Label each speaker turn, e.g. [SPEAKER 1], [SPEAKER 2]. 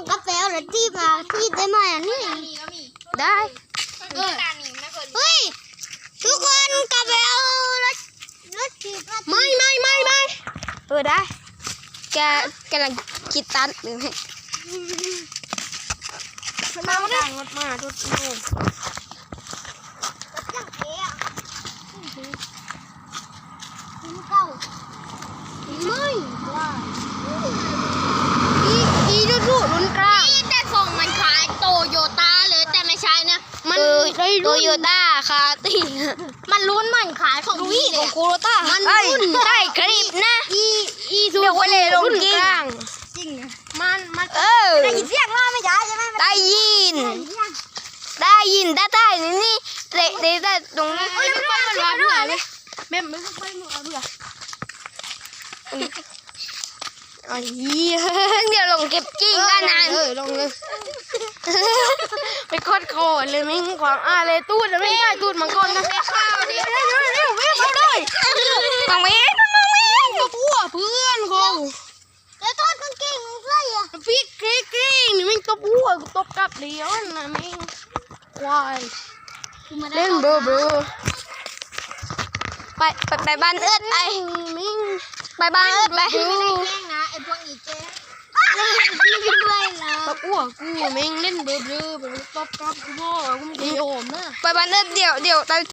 [SPEAKER 1] กาแฟหรือที่มาที่ได้ไหมอันนี้ได้เฮ้ยทุกคนกาแฟรถถีบไม่ได้แกลังคิดตันหรือไงมาดังรถมาทุกคนไม่ว่าอีดูรุ่นกลางแต่ทรงมันคล้ายโตโยต้าเลยแต่ไม่ใช่นะมันโตโยต้าคาติมันรุ่นมันคล้ายของพี่เลยโคโรต้ามันรุ่นได้คลิปนะอีเดี๋ยววันเลยลงกลางจริงนะมันได้ยินเสียงว่าไม่ใช่ใช่ไหมได้ยินได้นี่ได้ตรงนี้ไม่ค่อยมันร้อนเบื่อเลยแม่ไม่ค่อยมันร้อนเบื่ออ๋อเดี๋ยวลงเก็บกิ้งกันนะลงเลยไปโคตรโคตรเลยไม่ขวางเลยตูดไม่ได้ตูดมังกรนะข้าวดิเร็วเข้าเลยมังเว้นตัวพัวเพื่อนเขาแล้วตูดมันเก่งเลยอ่ะพี่กรี๊งนี่มันตัวพัวตบกับเดียวนะมิงควายเล่นเบอไปบ้านเอิดไปมิงไปบ้านเอิดไปไม่ได้แกล้งนะไอพวกอีเจ๊ด้วยนะตบอ้วกกูมิงเล่นเบอแบบตบกับกูพ่อกูไม่ยอมนะไปบ้านเอิดเดี๋ยว